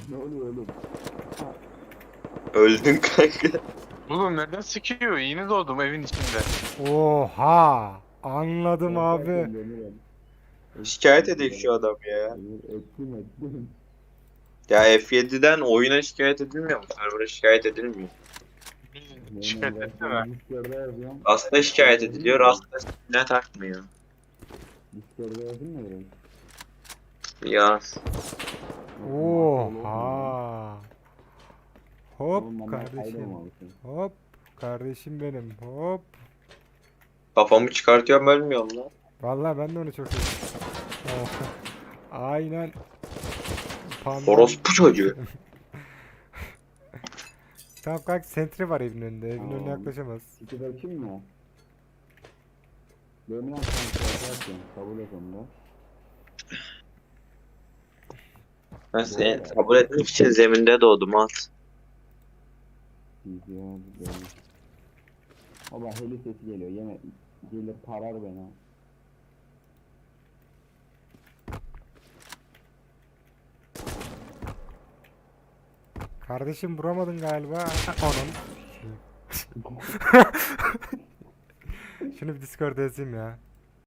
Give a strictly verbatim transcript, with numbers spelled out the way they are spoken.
Ne oluyor oğlum? Öldün kanka. Oğlum neden sıkıyor? Yeni doğdum evin içinde. Oha! Anladım abi. Korkarken Demirel. Şikayet edeyim şu adam ya. Demir ettim ettim. Ya F yedi'den oyuna şikayet edilmiyor mu? Server'a şikayet edilmiyor. Şikayet etsene. Discord'da yazıyorum. Aslında şikayet ediliyor, aslında ne takmıyor. Discord'da yazayım mı direkt? Yaz. Oha! Hop Oğlum, ben kardeşim. kaydolmamışım. Hop kardeşim benim. Hop. Kafamı çıkartıyorum ölmüyorum lan. Vallahi ben de onu çok seviyorum. Oh. Aynen. Panda. Orospu çocuğu. Tamam kanka sentry var evin önünde. Evin önüne Tamam. yaklaşamaz. İki bakayım mı? Demirel sen korkarsın. Kabul et onu da. Ben seni kabul etmek için zeminde doğdum at. Gidiyor, gidiyor. Baba heli sesi geliyor. Yine gelir parar beni. Kardeşim vuramadın galiba. Onun. Şunu bir Discord'a yazayım ya.